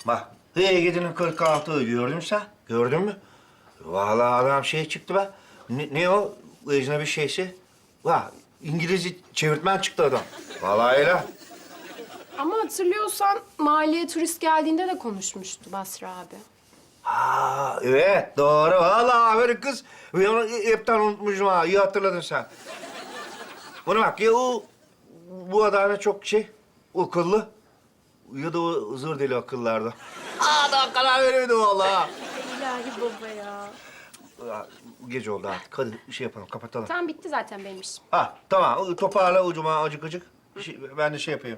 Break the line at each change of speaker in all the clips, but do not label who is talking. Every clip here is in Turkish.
Bak, Hıya gidinin 46'ı gördün mü sen? Gördün mü? Vallahi adam şey çıktı be. Ne o? Ecnebi şeysi. Vah, İngilizce çevirtmen çıktı adam. Vallahi öyle.
Ama hatırlıyorsan mahalleye turist geldiğinde de konuşmuştu Basri abi.
Ha, evet doğru. Vallahi aferin kız. Ben onu hepten unutmuşum ha. İyi hatırladın sen. Buna bak ya bu adam çok şey, akıllı. Ya da o zır deli akıllarda. Adam karar veremedi vallahi.
İlahi baba ya.
Ya, gece oldu artık. Hadi şey yapalım, kapatalım.
Tamam bitti zaten benim işim.
Ha tamam, toparla ucuma acık. Ben de şey yapayım.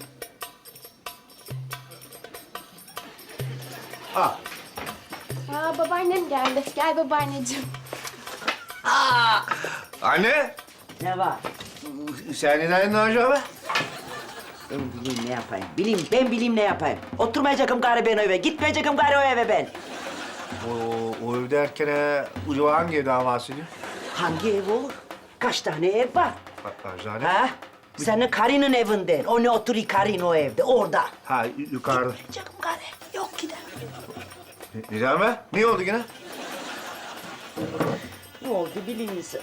Ha.
Aa babaannem geldi. Gel babaanneciğim.
Anne,
Ne var?
sen neden acaba be?
Ben bileyim ne yapayım. Ben bileyim ne yapayım. Oturmayacakım gari ben o eve. Gitmeyecekim gari o eve ben.
O ev derken ucuma hangi evden bahsediyor?
Hangi ev olur? Kaç tane ev var?
Eczane.
Ha? Senin karının evinden. O ne oturuyor karın o evde, orada.
Ha, yukarıda.
Gitmeyecekim gari. Yok gider.
Neden be? Ne oldu yine?
Ne oldu biliyor musun?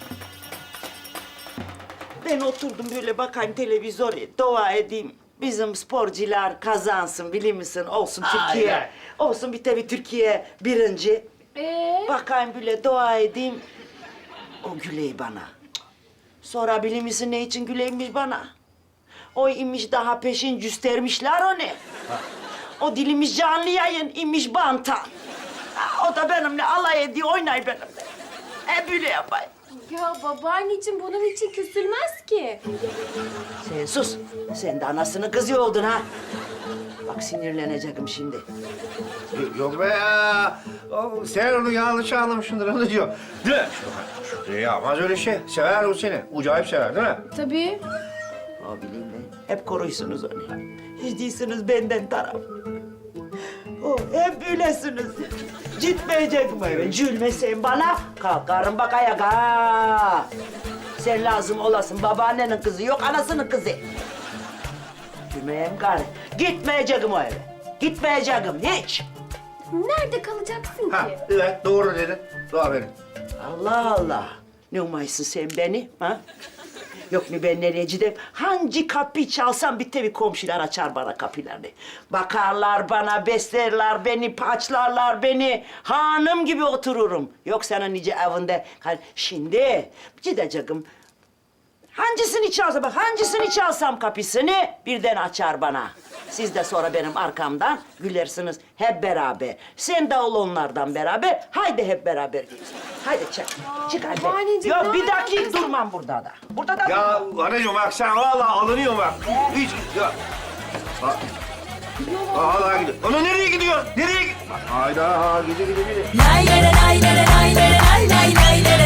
Ben oturdum böyle bakayım televizyona, dua edeyim. Bizim sporcular kazansın biliyor musun? Olsun Türkiye.
ay.
Olsun bir tabii Türkiye birinci. Bakayım böyle dua edeyim. O güley bana. Sonra biliyor musun ne için güleymiş bana? O imiş daha peşin göstermişler onu. O dilimiz canlı yayın imiş bantan. Ha, o da benimle alay ediyor, oynay benimle. Böyle yapayım.
Ya babaanneciğim bunun için küsülmez ki.
Sen sus. Sen de anasının kızı oldun ha. Bak sinirleneceğim şimdi.
Yok be ya. Sen onu yanlış anlamışsındır, onu diyor. Değil mi? Şu yapmaz öyle şey. Sever o seni. Acayip sever değil mi?
Tabii.
O bileyim ben. Hep koruysunuz onu. Hiç değilsiniz benden taraf. O hep böylesiniz. Gitmeyecek mi eve? Gülmesen bana kalkarım bak ayağa. Sen lazım olasın. Babaannenin kızı yok, anasının kızı. Gülmeyeyim gari. Gitmeyeceğim o eve. Gitmeyeceğim hiç.
Nerede kalacaksın
Ha,
ki?
evet doğru dedin. Doğru verin.
Allah Allah. Ne umaysın sen beni ha? Yok mu ben nereye gideyim? Hangi kapıyı çalsam bir tabii komşular açar bana kapılarını. Bakarlar bana, beslerler beni, paçlarlar beni. Hanım gibi otururum. Yok senin nice evinde. Şimdi gideceğim. Hangisini çalsam, bak hangisini çalsam kapısını birden açar bana. Siz de sonra benim arkamdan gülersiniz hep beraber. Sen de ol onlardan beraber. Haydi hep beraber gidelim. Haydi çık. Çık hadi.
babaanneciğim,
Yok bir
ne
dakika
yapıyorsun?
durmam burada da. Burada da
Ya
durmam.
anacığım bak sen vallahi alınıyorsun bak. Hiç ya. Vallahi gidiyor. Ana nereye gidiyor? Nereye gidiyor? Hayda gide.
Lay lay lay lay lay lay lay lay lay lay lay